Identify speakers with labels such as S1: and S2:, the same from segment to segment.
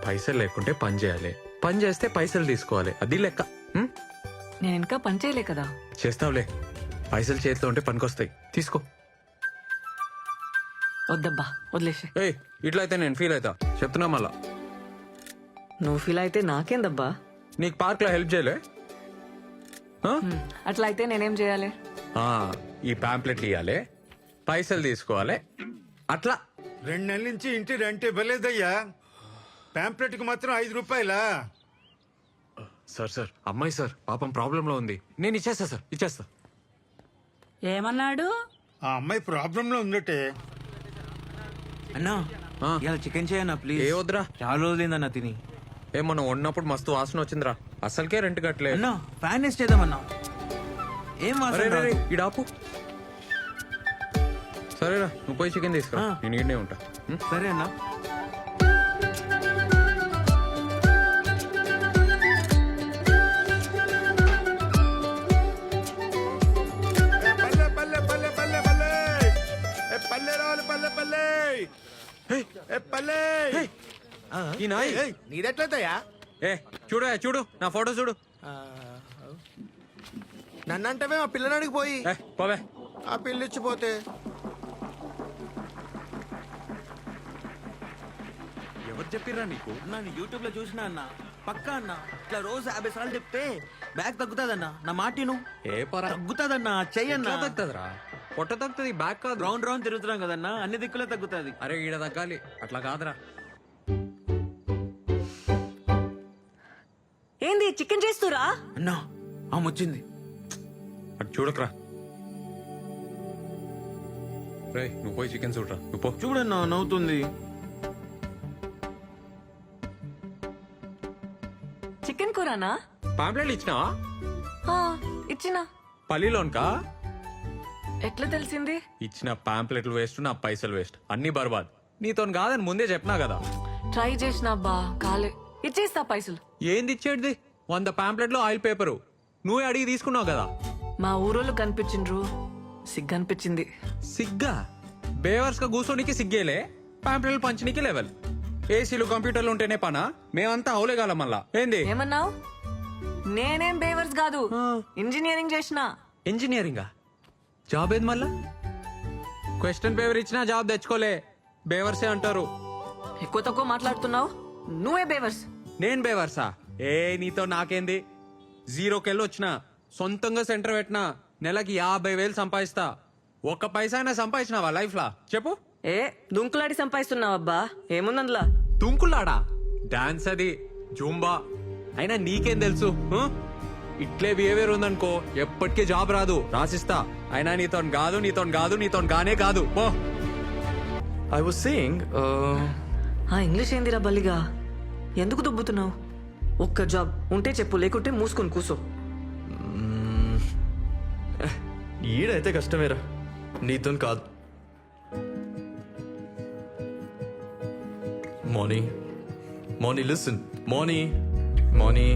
S1: పైసలు లేకుంటే పని చేయాలి, పని చేస్తే పైసలు తీసుకోవాలి, అది లెక్క.
S2: నేను ఇంకా పని చేయలే కదా.
S1: చేస్తావులే, పైసలు చేతిలో ఉంటే పనికొస్తాయి, తీసుకో.
S2: వద్దబ్బా, వదిలేసి.
S1: ఏయ్, ఇట్లా అయితే నేను ఫీల్ అవుతా, చెప్తున్నా మళ్ళా.
S2: నువ్వు ఫీల్ అయితే నాకేందబ్బా.
S1: నీకు పార్క్ లో హెల్ప్ చేయలే?
S2: అట్లా అయితే నేనేం చేయాలి?
S1: ఈ పాంప్లెట్లు ఇవ్వాలి, పైసలు తీసుకోవాలి, అట్లా.
S3: 2 నెలల నుంచి ఇంటి రెంట్ ఇవ్వలేదయ్యా. పాంప్లెట్ కి మాత్రం 5 రూపాయలా?
S1: సార్ అమ్మాయి సార్ పాపం ప్రాబ్లం లో ఉంది, నేను ఇచ్చేస్తా సార్, ఇచ్చేస్తా.
S4: ఏమన్నాడు?
S3: ఆ అమ్మాయి ప్రాబ్లం లో ఉందటే.
S5: అన్నా ఇలా చికెన్ చేయన్నా ప్లీజ్.
S1: ఏ వద్దురా,
S5: చాలా రోజులైందన్నా తిని.
S1: మనం ఉన్నప్పుడు మస్తు వాసన వచ్చిందిరా, అసలుకే రెంట్ కట్టలే.
S5: అన్నా ఫ్యాన్ వేస్ట్ చేద్దామన్నా. ఏం వాసన రాదు.
S1: ఇడాపు. సరేరా, నువ్వు పోయి చికెన్ తీసుకురా, నేను ఈడనే ఉంటా.
S5: సరే అన్నా.
S3: పల్లె పల్లె పల్లె పల్లె పల్లె ఏ పల్లె రావాలి, పల్లె పల్లె ఏ పల్లె.
S1: ఈ నాయ్
S6: నీదెట్లయితయా?
S1: చూడు నా ఫోటో చూడు.
S6: నన్నంటవే మా పిల్లనాడికి పోయి
S1: పోవే.
S6: ఆ పిల్లిచ్చిపోతే
S1: ఎవరు చెప్పిర్రా నీకు?
S5: అన్నా నేను యూట్యూబ్ లో చూసినా అన్నా, పక్కా అన్నా ఇట్లా రోజు 50 సార్లు చెప్తే బ్యాగ్ తగ్గుతాదన్నా. నా మాటిను
S1: ఏ పరా
S5: తగ్గుతాదన్నా. చెయ్యన్నా.
S1: తగ్గుతుందిరా, పొట్ట తగ్గుతుంది, బ్యాక్ కాదు.
S5: రౌండ్ రౌండ్ తిరుగుతున్నాం కదన్నా, అన్ని దిక్కులే తగ్గుతాది.
S1: అరే ఈడ తగ్గాలి, అట్లా కాదురా.
S2: ఏంది చికెన్ చేస్తురా?
S5: అన్నా ఆమె వచ్చింది.
S1: అటు చూడకరా. రే నువ్వు పోయి చికెన్ చూడరా, నువ్వు పో.
S5: చూడన్నా నవ్వుతుంది.
S2: చికెన్ కూరనా?
S1: పాంప్లెట్లు ఇచ్చినావా?
S2: ఇచ్చినా.
S1: పల్లిలోన్కా?
S2: ఎట్లా తెలిసింది?
S1: ఇచ్చిన పాంప్లెట్లు వేస్ట్, నా పైసలు వేస్ట్, అన్ని బర్బాద్. నీతో కాదని ముందే చెప్పినా కదా.
S2: ట్రై చేసిన అబ్బా, కాలే. ఇచ్చేస్తా పైసలు.
S1: ఏంది ఇచ్చేది? 100 పాంప్లెట్లు ఆయిల్ పేపరు నువ్వే అడిగి తీసుకున్నావు కదా.
S2: మా ఊరోళ్ళు కనిపించిండ్రు, సిగ్గనిపించింది.
S1: సిగ్గా? బేవర్స్ గా కూర్చోనికి సిగ్గేలే, పాంప్లెట్లు పంచనీకి లెవెల్. ఏసీలు కంప్యూటర్లు ఉంటేనే పనా? మేమంతా అవులేగాల మళ్ళా. ఏంది
S2: ఏమన్నావు? నేనేం బేవర్స్ కాదు, ఇంజనీరింగ్ చేసిన.
S1: ఇంజనీరింగా? జాబ్ ఏది మళ్ళా? క్వశ్చన్ పేపర్ ఇచ్చినా జాబ్ తెచ్చుకోలే, బేవర్సే అంటారు.
S2: ఎక్కువ తక్కువ మాట్లాడుతున్నావు, నువ్వే బేవర్స్.
S1: నేను బేవర్సా? నీతో నాకేంది? 0కెళ్ళి వచ్చిన, సొంతంగా సెంటర్ పెట్టినా, నెలకి 50,000 సంపాదిస్తా. ఒక్క పైసా అయినా సంపాదించినావా లైఫ్ లా చెప్పు?
S2: దుంకులాడి సంపాదిస్తున్నావు అబ్బా, ఏముందందులా?
S1: తుంకులాడా? డాన్స్ అది, జూంబా. అయినా నీకేం తెలుసు? ఇట్లే బిహేవియర్ ఉందనుకో ఎప్పటికీ జాబ్ రాదు, రాసిస్తా. అయినా నీతో గానే కాదు.
S7: I was saying,
S2: ఇంగ్లీష్ ఏందిరా బల్లిగా? ఎందుకు దుబ్బుతున్నావు? ఒక్క జాబ్ ఉంటే చెప్పు, లేకుంటే మూసుకొని కూసో.
S7: ఈడైతే కష్టమేరా, నీతో కాదు. Marnie listen, Marnie.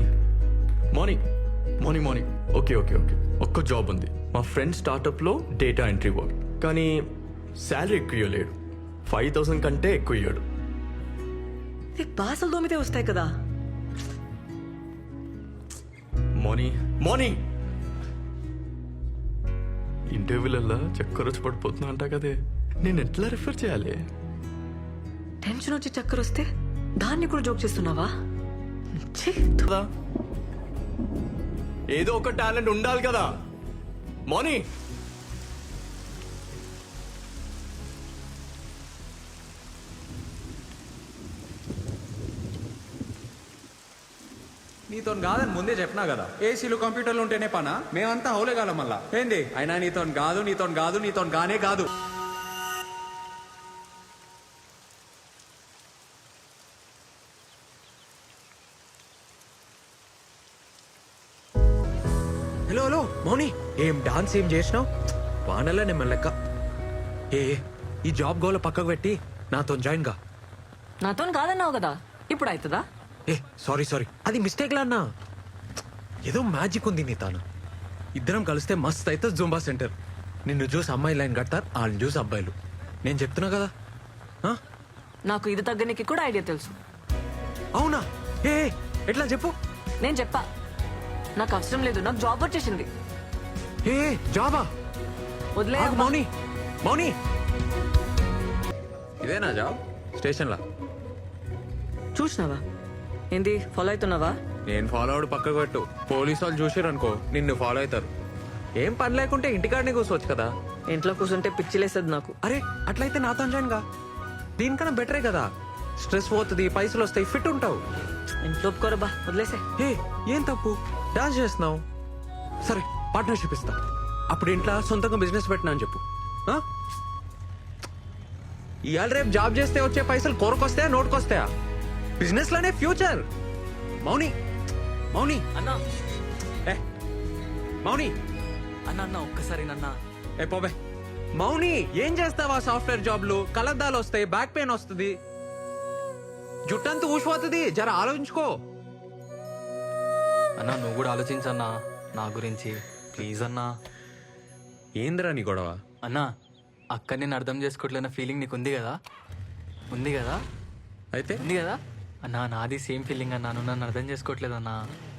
S7: ఓకే. ఒక్క జాబ్ ఉంది, మా ఫ్రెండ్ స్టార్ట్అప్ లో డేటా ఎంట్రీ వర్క్. కానీ శాలరీ ఎక్కువ ఇవ్వలేడు, 5,000 కంటే ఎక్కువ ఇయ్యాడు.
S2: బాసలు దోమితే వస్తాయి కదా.
S7: మార్నీ ఇంటర్వ్యూలల్లా చక్కర వచ్చి పడిపోతున్నా అంటా కదే, నేను ఎట్లా రిఫర్ చేయాలి?
S2: టెన్షన్ వచ్చి చక్కర వస్తే దాన్ని కూడా జోక్ చేస్తున్నావా?
S7: కదా, ఏదో ఒక టాలెంట్ ఉండాలి కదా మార్నీ.
S1: నీతో కాదని ముందే చెప్పినా కదా. ఏసీలు కంప్యూటర్లు ఉంటేనే పనా? మేమంతా అవులేగాల మళ్ళా. ఏంది? అయినా నీతో గానే కాదు. హలో మౌని, ఏం డాన్స్ ఏం చేసినావు? వానల్లా నేను లెక్క. ఈ జాబ్ గోల పక్కకు పెట్టి నాతో జాయిన్ గా.
S2: నాతో కాదన్నావు కదా, ఇప్పుడు అవుతుందా?
S1: సారీ అది మిస్టేక్ లా అన్నా. ఏదో మ్యాజిక్ ఉంది నీ తాను. ఇద్దరం కలిస్తే మస్త్ అయితే జూంబా సెంటర్. నిన్ను చూసి అమ్మాయి లైన్ కడతారు, వాళ్ళని చూసి అబ్బాయిలు. నేను చెప్తున్నా కదా.
S2: నాకు ఇది తగ్గనికి కూడా ఐడియా తెలుసు.
S1: అవునా? ఏ ఎట్లా చెప్పు.
S2: నేను చెప్పా నాకు అవసరం లేదు, నాకు జాబ్ వచ్చేసింది.
S1: ఏ జాబా?
S2: వదిలే
S1: ఆగు, మౌని మౌని, ఇదేనా జాబ్? స్టేషన్లా?
S2: చూసినావా ఏంది ఫాలో అవుతున్నావా?
S1: నేను ఫాలో అవడు పక్కకు పెట్టు. పోలీసు వాళ్ళు చూసారు అనుకో నిన్ను ఫాలో అవుతారు. ఏం పని లేకుంటే ఇంటికాడనే కూర్చోవచ్చు కదా.
S2: ఇంట్లో కూర్చుంటే పిచ్చిలేసేది నాకు.
S1: అరే అట్లయితే నాతో జాయిన్ గా. దీనికన్నా బెటరే కదా. స్ట్రెస్ పోతుంది, పైసలు వస్తాయి, ఫిట్ ఉంటావు.
S2: ఇంట్లో ఒప్పుకోరబ్బా, వదిలేసే.
S1: ఏ ఏం తప్పు? డాన్స్ చేస్తున్నావు, సరే పార్ట్నర్షిప్ ఇస్తా. అప్పుడు ఇంట్లో సొంతంగా బిజినెస్ పెట్టినా అని చెప్పు. ఆ? ఇవాళ రేపు జాబ్ చేస్తే వచ్చే పైసలు కొరకొస్తాయా నోటుకొస్తాయా? బిజినెస్ లోనే ఫ్యూచర్. మౌని మౌని
S7: అన్నా
S1: ఏ మౌని
S7: అన్న అన్న ఒక్కసారి నన్న.
S1: ఏ పోబే. మౌని ఏం చేస్తావా? సాఫ్ట్వేర్ జాబ్లు కలద్దాలు వస్తాయి, బ్యాక్ పెయిన్ వస్తుంది, జుట్టంతా ఊసిపోతుంది. జర ఆలోచించుకో.
S7: అన్నా నువ్వు కూడా ఆలోచించన్నా నా గురించి ప్లీజ్ అన్నా.
S1: ఏందిరా నీ గొడవ?
S7: అన్నా అక్క నేను అర్థం చేసుకోవట్లేన ఫీలింగ్ నీకు ఉంది కదా? ఉంది కదా?
S1: అయితే
S7: ఉంది కదా అన్నా? నాది సేమ్ ఫీలింగ్ అన్నా, నువ్వు నన్ను అర్థం చేసుకోవట్లేదన్నా.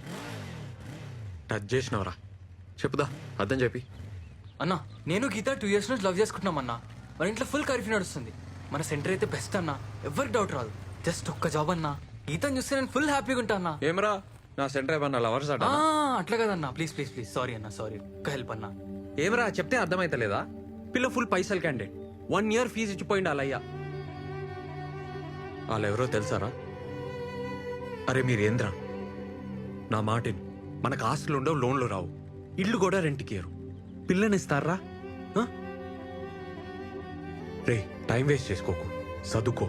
S1: టచ్ చేసినవరా? చెప్పుదా, అర్థం చెప్పి.
S7: అన్నా నేను గీత 2 years నుంచి లవ్ చేసుకుంటున్నాం అన్నా. మన ఇంట్లో ఫుల్ కర్ఫ్యూ నడుస్తుంది. మన సెంటర్ అయితే బెస్ట్ అన్నా, ఎవరికి డౌట్ రాదు. జస్ట్ ఒక్క జాబ్ అన్నా. గీతను చూస్తే నేను ఫుల్ హ్యాపీగా ఉంటా అన్నా.
S1: ఏమరా నా సెంటర్ ఏమన్నా లవర్స్ అట?
S7: అట్లా కదన్నా, ప్లీజ్ ప్లీజ్ ప్లీజ్, సారీ అన్నా, సారీ. ఒక్క హెల్ప్ అన్నా.
S1: ఏమరా చెప్తే అర్థమైతలేదా? పిల్ల ఫుల్ పైసలు క్యాండిడేట్, 1 year ఫీజు ఇచ్చిపోయింది అలయ్యా. వాళ్ళెవరో తెలుసారా? అరే మీరేంద్రా, నా మాటిని. మనకు ఆస్తులు ఉండవు, లోన్లు రావు, ఇల్లు కూడా రెంట్కి ఇయ్యరు. పిల్లనిస్తారా? రే టైం వేస్ట్ చేసుకోకు, చదువుకో.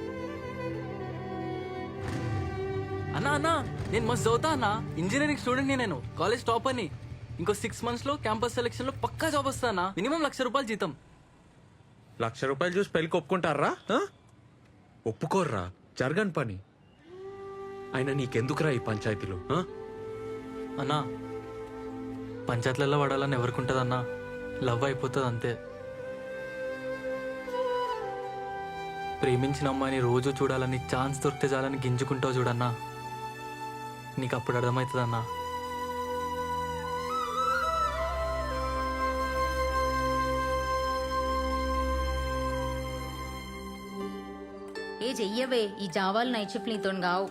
S7: అన్నా అన్నా నేను మస్తు చదువుతా అన్నా. ఇంజనీరింగ్ స్టూడెంట్ నేను, కాలేజ్ టాప్ అని. ఇంకో 6 months లో క్యాంపస్ సెలెక్షన్ లో పక్కా జాబ్ వస్తానా. మినిమం ₹1,00,000 జీతం.
S1: ₹1,00,000 చూసి పెళ్ళికి ఒప్పుకుంటారా? ఒప్పుకోర్రా, జరగని పని. అయినా నీకెందుకురా ఈ పంచాయతీలు?
S7: అన్నా పంచాయతీలలో పడాలని ఎవరికి ఉంటుందన్నా? లవ్ అయిపోతుంది అంతే. ప్రేమించిన అమ్మాయిని రోజు చూడాలని, ఛాన్స్ దొరికితే చాలని గింజుకుంటావు చూడన్నా. నీకు అప్పుడు అర్థమవుతుందన్నా.
S8: ఏ చెయ్యవే, ఈ జావాలు నైట్ షిఫ్ట్ నీతో గావు.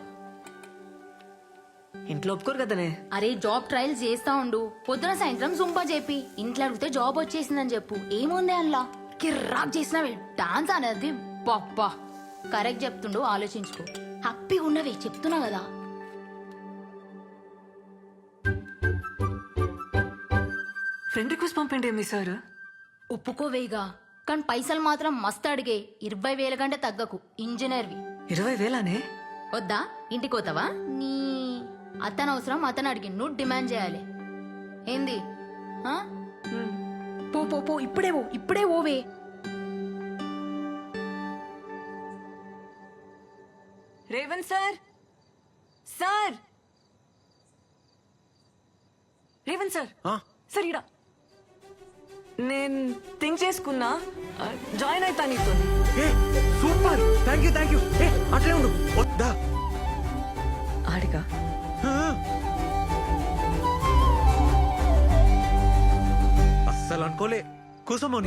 S2: ఇంట్లో ఒప్పుకోరు కదనే.
S8: అరే జాబ్ ట్రయల్స్ చేస్తా ఉండు, పొద్దున సాయంత్రం జుంపా చెప్పి ఇంట్లో అడిగితే జాబ్ వచ్చేసిందని చెప్పు. ఏముంది అందులో? కిర్రాక్ చేసినవే డాన్స్ అనేది. పప్పా కరెక్ట్ చెప్తుండు, ఆలోచించుకో. హ్యాపీగా ఉన్నవే చెప్తున్నా కదా.
S2: ఫ్రెండ్ రిక్వెస్ట్ పంపండి మీ సార్.
S8: ఒప్పుకోవేగా, కానీ పైసలు మాత్రం మస్తు అడిగే. 20,000 కంటే తగ్గకు. ఇంజనీర్వి.
S2: 20,000నే?
S8: వద్దా? ఇంటికి పోతావా? నీ అతను అవసరం అతను అడిగి నువ్వు డిమాండ్ చేయాలి. ఏంది? ఆ? పో పో పో, ఇప్పుడే పో, ఇప్పుడే ఓవే.
S2: Revanth sir, sir, Revanth sir, sir ఇడా. నేను థింక్ చేసుకున్నా, జాయిన్ అవుతా నీతో.
S1: Super, thank you thank you. అట్లే ఉండు, వద్దా?
S2: ఆడిగా
S1: అస్సలు అనుకోలే. కూసోమోని.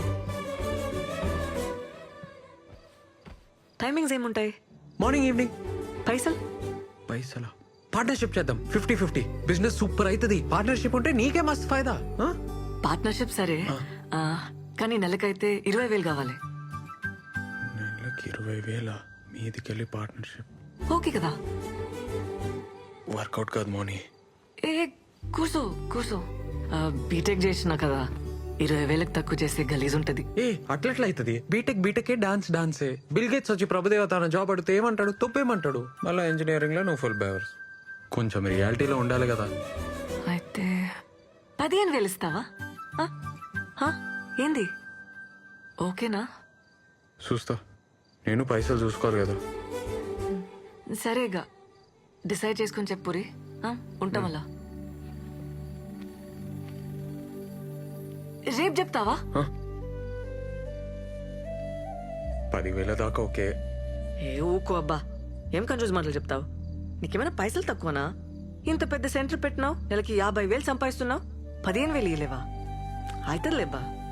S2: టైమింగ్స్ ఏముంటాయి?
S1: Morning evening.
S2: పైసలు?
S1: పైసలా? పార్ట్నర్షిప్ చేద్దాం, 50-50. బిజినెస్ సూపర్ అవుతుంది. పార్ట్నర్షిప్ ఉంటే నీకే మస్తు ఫైదా.
S2: పార్ట్నర్షిప్ సరే, కానీ నెలకైతే 20,000 కావాలి.
S3: నెలకి 20,000 మీదికెళ్ళి పార్ట్నర్షిప్
S2: ఓకే కదా?
S3: వర్కౌట్ కాదు మోని.
S2: ఏ కూర్చో కూర్చో. బీటెక్ చేసినా కదా, 20,000కి తక్కువ చేస్తే గలీజ్ ఉంటది.
S1: ఏ అట్లెట్లా అవుతుంది? బీటెక్ డాన్సే. బిల్ గేట్స్ వచ్చి ప్రభుదేవ తన జాబ్ అడిగితే ఏమంటాడు? తొప్పేమంటాడు. మళ్ళీ ఇంజనీరింగ్ లో నువ్వు ఫుల్ బేవర్స్. కొంచెం రియాలిటీలో ఉండాలి కదా.
S2: అయితే 15,000 ఇస్తావా? ఏంది? ఓకేనా?
S1: చూస్తా, నేను పైసలు చూసుకోవాలి కదా.
S2: సరేగా, డిసైడ్ చేసుకుని చెప్పురి. ఉంటాం అలా. రేపు చెప్తావా?
S1: 10,000 దాకా ఓకే.
S2: ఏ ఊకో అబ్బా, ఏం కన్ఫ్యూజ్ మాటలు చెప్తావు? నీకేమైనా పైసలు తక్కువనా? ఇంత పెద్ద సెంటర్ పెట్టినావు, నెలకి 50,000 సంపాదిస్తున్నావు, 15,000 ఇయ్యలేవా? అవుతుందిలేబ్బా.